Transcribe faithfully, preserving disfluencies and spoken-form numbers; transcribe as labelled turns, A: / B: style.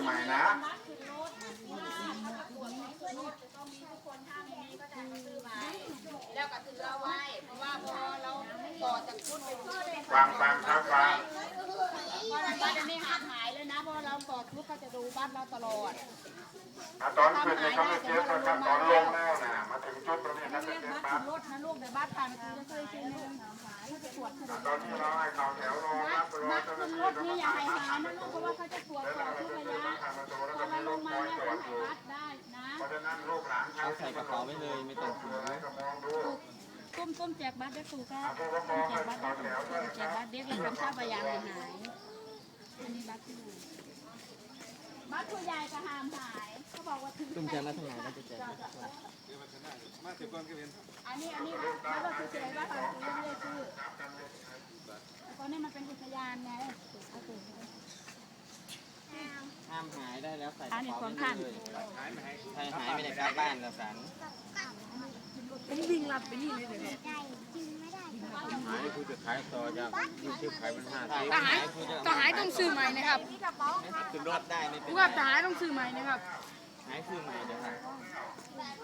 A: ใหม่นะ
B: แล้วก็ถือเอาไว้เพราะว่าพอเราต่อจากชุดไปชุด
A: ฟังฟังครับฟัง
B: เพราะบ้านจะไม่หายหายเลยนะเพราะเราต่อชุดเขาจะดูบ้านเราตลอด
A: ตอนขึ้นเนี่ยเขาไม่เจ็บนะครับตอนลงแล้วนะมาถึงจุดตรงนี้นะจะเจ็บปั๊บ
B: รถนะลูกเดี๋ยวบ้านผ่านคือจะเคยเช่นนึงตรวจ
A: ตอนที่เราให้เขาแถวรอรับรอ
B: มัด
A: เจ้าห
B: ขึ้
A: น้าน ที่
B: รถนี่อย่าหายหายนะลูกเพราะว่าเขาจะตรวจสอบทุกระยะพอเราลงมาเนี่ยต้องหายวัดได้นะ
A: เพราะฉะนั้นลูกหลาน
C: เอาใส่กระเป๋าไว้เลยไม่ต้องถือ
A: ก็มองดู
B: ต้มต้มแจกบัตรได้ถูกครับ
A: ผู้ปกครอง
B: แจ
A: ให้
B: กบัตร
A: เขา
B: ได้
A: แถ
B: ถู
A: ว
B: ก
A: ด้วย
B: แจกบัตรเด็กเลยทำท่าพยางหายอันนี้บัตรที่บัตรผู้ใหญ่ก็ห้ามหายเขาบอกว่าถึง
C: ตุ้มแจกแล้วทางไหนก็จะแจก
B: อันนี้อันนี้บัตรเราคือเฉยบัตรเราคือไม่ได้ชื่อตอนนี้มันเป็นพยานไง
C: ห้ามหายได้แล้วใส่กระเป๋าไว้เลยใครหายไม่ได้กลับบ้านแล้วสัน
B: เป็นวิ่งรับไปนี่เลยเดี๋ยว
D: หายคือจะขายต่อจากยี่สิบขายเป็นห้าสิบ
B: ทหารทหารต้องซื้อใหม่นะครับ
C: ขึ้นรถได้ไม่เป็น
B: ผู้
C: ไร
B: กับทหารต้องซื้อใหม่นะครับ
C: หายคือใหม่เดี๋ยวครับ